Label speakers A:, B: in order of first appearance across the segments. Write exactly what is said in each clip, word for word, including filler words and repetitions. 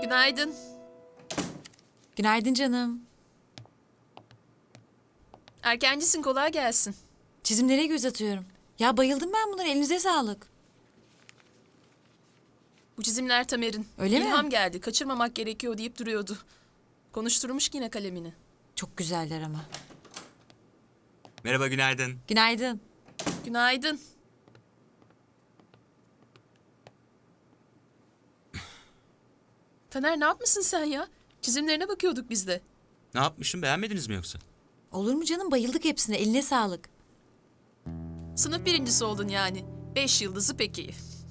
A: Günaydın.
B: Günaydın canım.
A: Erkencisin, kolay gelsin.
B: Çizimlere göz atıyorum. Ya bayıldım ben bunlara, elinize sağlık.
A: Bu çizimler Tamer'in.
B: Öyle mi?
A: İlham geldi, kaçırmamak gerekiyor deyip duruyordu. Konuşturmuş yine kalemini.
B: Çok güzeller ama.
C: Merhaba, günaydın.
B: Günaydın.
A: Günaydın. Taner, ne yapmışsın sen ya? Çizimlerine bakıyorduk biz de.
C: Ne yapmışım, beğenmediniz mi yoksa?
B: Olur mu canım, bayıldık hepsine, eline sağlık.
A: Sınıf birincisi oldun yani. Beş yıldızı peki.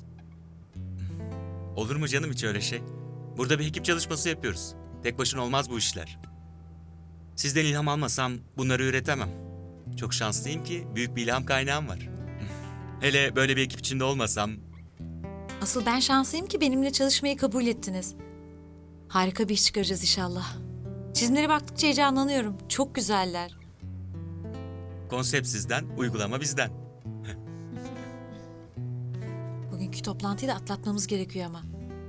C: Olur mu canım hiç öyle şey? Burada bir ekip çalışması yapıyoruz. Tek başına olmaz bu işler. Sizden ilham almasam bunları üretemem. Çok şanslıyım ki büyük bir ilham kaynağım var. Hele böyle bir ekip içinde olmasam...
B: Asıl ben şanslıyım ki benimle çalışmayı kabul ettiniz. Harika bir iş çıkaracağız inşallah. Çizimlere baktıkça heyecanlanıyorum. Çok güzeller.
C: Konsept sizden, uygulama bizden.
B: Bugünkü toplantıyı da atlatmamız gerekiyor ama.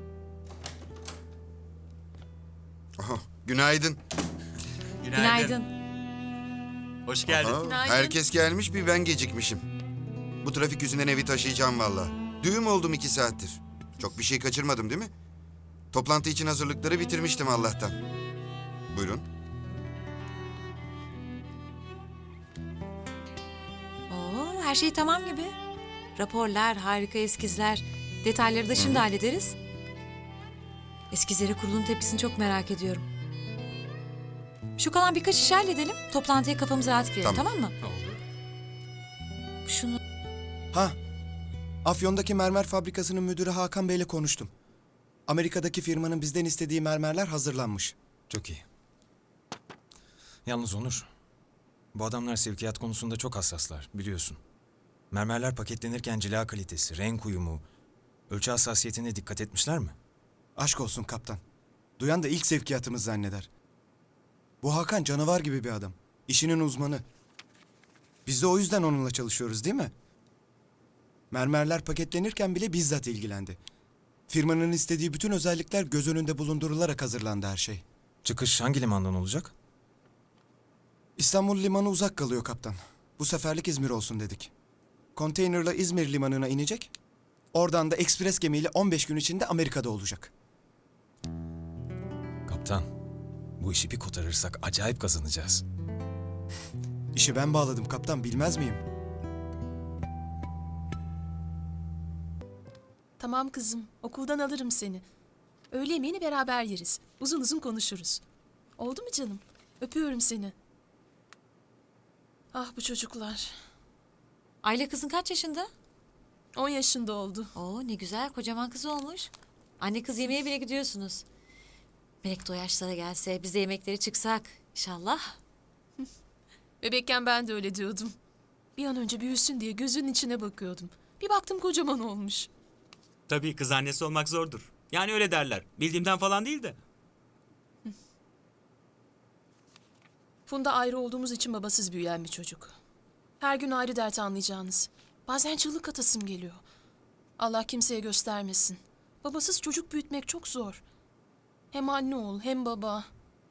D: Aha, günaydın.
B: Günaydın.
C: Hoş geldin.
D: Aha,
A: Günaydın.
D: herkes gelmiş, bir ben gecikmişim. Bu trafik yüzünden evi taşıyacağım valla. Düğüm oldum iki saattir. Çok bir şey kaçırmadım değil mi? Toplantı için hazırlıkları bitirmiştim Allah'tan. Buyurun.
B: Oo, her şey tamam gibi. Raporlar, harika eskizler. Detayları da şimdi hallederiz. Eskizlere kurulun tepkisini çok merak ediyorum. Şu kalan birkaç işi halledelim. Toplantıya kafamızı rahat girelim,
D: Tamam.
B: tamam mı?
C: Oldu.
B: Şunu...
E: Ha, Afyon'daki mermer fabrikasının müdürü Hakan Bey'le konuştum. Amerika'daki firmanın bizden istediği mermerler hazırlanmış.
F: Çok iyi. Yalnız Onur, bu adamlar sevkiyat konusunda çok hassaslar, biliyorsun. Mermerler paketlenirken cila kalitesi, renk uyumu, ölçü hassasiyetine dikkat etmişler mi?
E: Aşk olsun kaptan. Duyan da ilk sevkiyatımız zanneder. Bu Hakan canavar gibi bir adam. İşinin uzmanı. Biz de o yüzden onunla çalışıyoruz değil mi? Mermerler paketlenirken bile bizzat ilgilendi. Firmanın istediği bütün özellikler göz önünde bulundurularak hazırlandı her şey.
F: Çıkış hangi limandan olacak?
E: İstanbul limanı uzak kalıyor kaptan. Bu seferlik İzmir olsun dedik. Konteynerla İzmir limanına inecek. Oradan da ekspres gemiyle on beş gün içinde Amerika'da olacak.
F: Kaptan, bu işi bir kotarırsak acayip kazanacağız.
E: İşi ben bağladım kaptan, bilmez miyim?
A: Tamam kızım, okuldan alırım seni. Öğle yemeğini beraber yeriz. Uzun uzun konuşuruz. Oldu mu canım? Öpüyorum seni. Ah bu çocuklar.
B: Ayla kızın kaç yaşında?
A: On yaşında oldu.
B: Oo, ne güzel, kocaman kız olmuş. Anne kız yemeğe bile gidiyorsunuz. Melek de o yaşlara gelse, biz de yemeklere çıksak inşallah.
A: Bebekken ben de öyle diyordum. Bir an önce büyüsün diye gözünün içine bakıyordum. Bir baktım kocaman olmuş.
C: Tabii kız annesi olmak zordur. Yani öyle derler. Bildiğimden falan değil de.
A: Funda ayrı olduğumuz için babasız büyüyen bir çocuk. Her gün ayrı dert anlayacağınız. Bazen çığlık atasım geliyor. Allah kimseye göstermesin. Babasız çocuk büyütmek çok zor. Hem anne ol hem baba.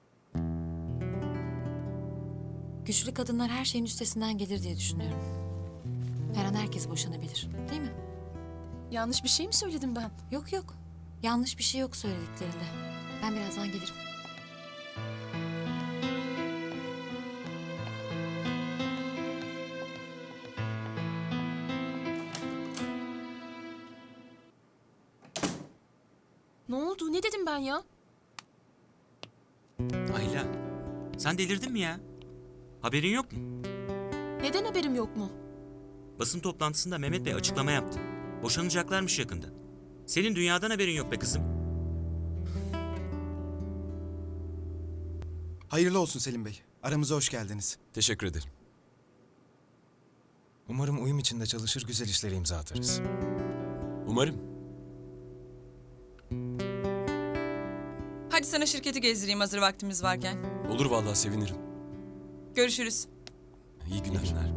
B: Güçlü kadınlar her şeyin üstesinden gelir diye düşünüyorum. Her an herkes boşanabilir, değil mi?
A: Yanlış bir şey mi söyledim ben?
B: Yok yok, yanlış bir şey yok söylediklerinde. Ben birazdan gelirim.
A: Ne oldu? Ne dedim ben ya?
C: Ayla, sen delirdin mi ya? Haberin yok mu?
A: Neden haberim yok mu?
C: Basın toplantısında Mehmet Bey açıklama yaptı. Boşanacaklarmış yakında. Senin dünyadan haberin yok be kızım.
E: Hayırlı olsun Selim Bey. Aramıza hoş geldiniz.
F: Teşekkür ederim. Umarım uyum içinde çalışır, güzel işlere imza atarız.
G: Umarım.
H: Hadi sana şirketi gezdireyim hazır vaktimiz varken.
G: Olur vallahi sevinirim.
H: Görüşürüz.
G: İyi günler.
F: İyi günler.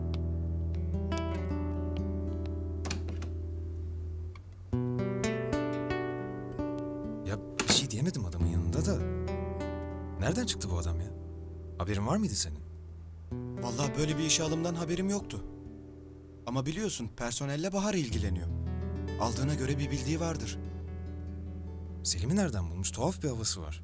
F: Ya bir şey diyemedim adamın yanında da. Nereden çıktı bu adam ya? Haberin var mıydı senin?
E: Vallahi böyle bir işe alımdan haberim yoktu. Ama biliyorsun personelle Bahar ilgileniyor. Aldığına göre bir bildiği vardır.
F: Selim'i nereden bulmuş? Tuhaf bir havası var.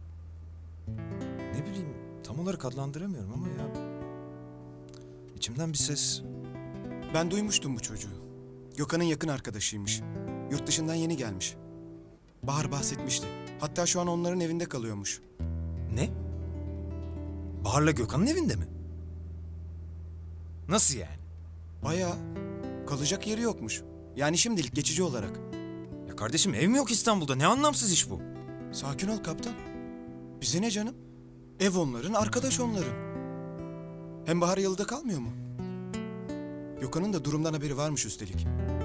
F: Ne bileyim, tam olarak adlandıramıyorum ama ya... İçimden bir ses...
E: Ben duymuştum bu çocuğu. Gökhan'ın yakın arkadaşıymış. Yurt dışından yeni gelmiş. Bahar bahsetmişti. Hatta şu an onların evinde kalıyormuş.
F: Ne? Bahar'la Gökhan'ın evinde mi? Nasıl yani?
E: Bayağı kalacak yeri yokmuş. Yani şimdilik geçici olarak.
F: Ya kardeşim ev mi yok İstanbul'da? Ne anlamsız iş bu?
E: Sakin ol kaptan. Bize ne canım? Ev onların, arkadaş onların. Hem Bahar yalıda kalmıyor mu? Gökhan'ın da durumdan haberi varmış üstelik.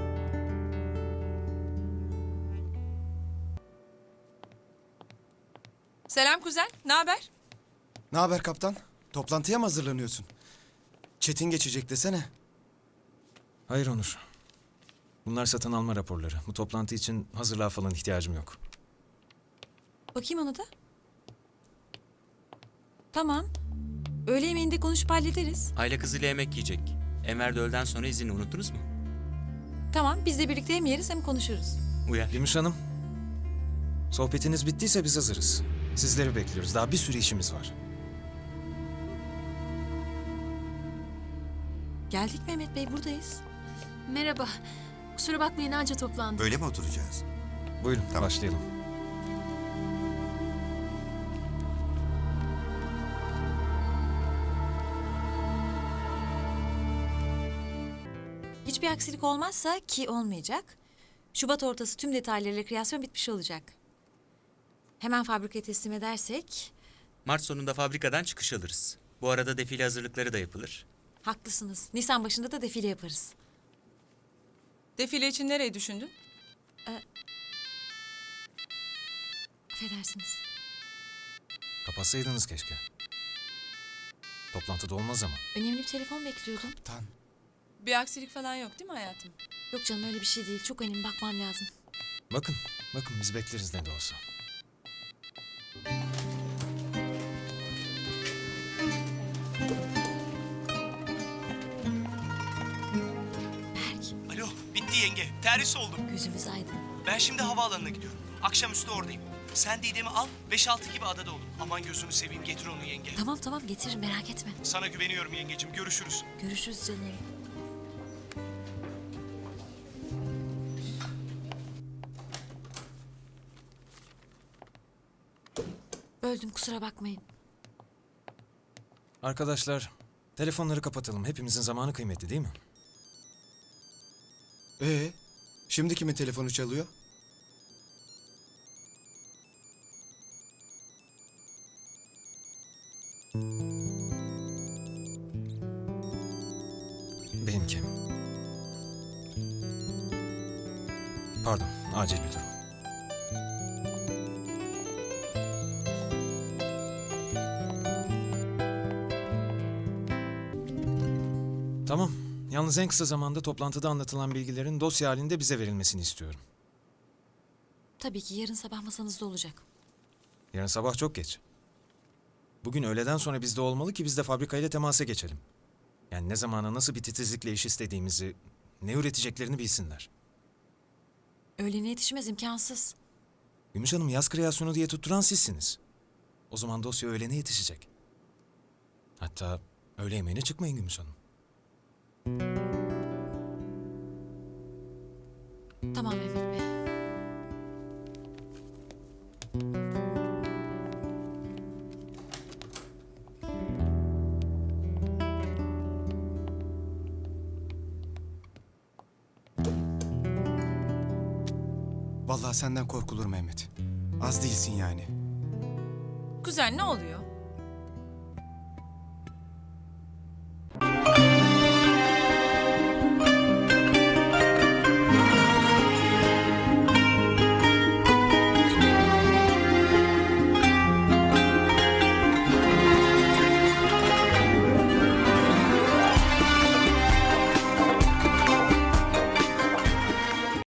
H: Selam kuzen, ne haber?
E: Ne haber kaptan? Toplantıya mı hazırlanıyorsun? Çetin geçecek desene.
F: Hayır Onur. Bunlar satın alma raporları. Bu toplantı için hazırlığa falan ihtiyacım yok.
B: Bakayım ona da. Tamam. Öğle yemeğinde konuşup hallederiz.
C: Aile kızıyla yemek yiyecek. Enver de öğleden sonra izni unuttunuz mu?
B: Tamam, biz de birlikte hem yeriz hem konuşuruz.
C: Uyar.
F: Gümüş Hanım. Sohbetiniz bittiyse biz hazırız. Sizleri bekliyoruz. Daha bir sürü işimiz var.
B: Geldik Mehmet Bey, buradayız.
A: Merhaba. Kusura bakmayın anca toplandık.
D: Böyle mi oturacağız?
F: Buyurun
D: Tamam.
F: başlayalım.
B: Hiçbir aksilik olmazsa ki olmayacak. Şubat ortası tüm detaylarıyla kreasyon bitmiş olacak. Hemen fabrikaya teslim edersek...
C: Mart sonunda fabrikadan çıkış alırız. Bu arada defile hazırlıkları da yapılır.
B: Haklısınız. Nisan başında da defile yaparız.
H: Defile için nereyi düşündün?
B: Affedersiniz.
F: Kapatsaydınız keşke. Toplantıda olmaz ama.
B: Önemli bir telefon bekliyordum.
E: Tan.
H: Bir aksilik falan yok değil mi hayatım?
B: Yok canım, öyle bir şey değil. Çok önemli, bakmam lazım.
F: Bakın, bakın biz bekleriz ne de olsa.
B: Berk,
I: Alo, bitti yenge. Terhis oldum.
B: gözümüz aydın.
I: Ben şimdi havaalanına gidiyorum. Akşamüstü oradayım. Sen Didem'i al, beş altı gibi adada olun. Aman gözünü seveyim, getir onu yenge.
B: Tamam tamam, getiririm, merak etme.
I: Sana güveniyorum yengecim, görüşürüz.
B: Görüşürüz canım. Böldüm, kusura bakmayın.
F: Arkadaşlar, telefonları kapatalım. Hepimizin zamanı kıymetli değil mi?
E: Ee, şimdi kimin telefonu çalıyor?
F: Benimki. Pardon, acil bir durum. Tamam. Yalnız en kısa zamanda toplantıda anlatılan bilgilerin dosya halinde bize verilmesini istiyorum.
B: Tabii ki yarın sabah masanızda olacak.
F: Yarın sabah çok geç. Bugün öğleden sonra bizde olmalı ki biz de fabrikayla temasa geçelim. Yani ne zamana nasıl bir titizlikle iş istediğimizi, ne üreteceklerini bilsinler.
B: Öğlene yetişmez, imkansız.
F: Gümüş Hanım yaz kreasyonu diye tutturan sizsiniz. O zaman dosya öğlene yetişecek. Hatta öğle yemeğine çıkmayın Gümüş Hanım.
B: Tamam Mehmet Bey.
E: Vallahi senden korkulur Mehmet. Az değilsin yani.
H: Kuzen ne oluyor?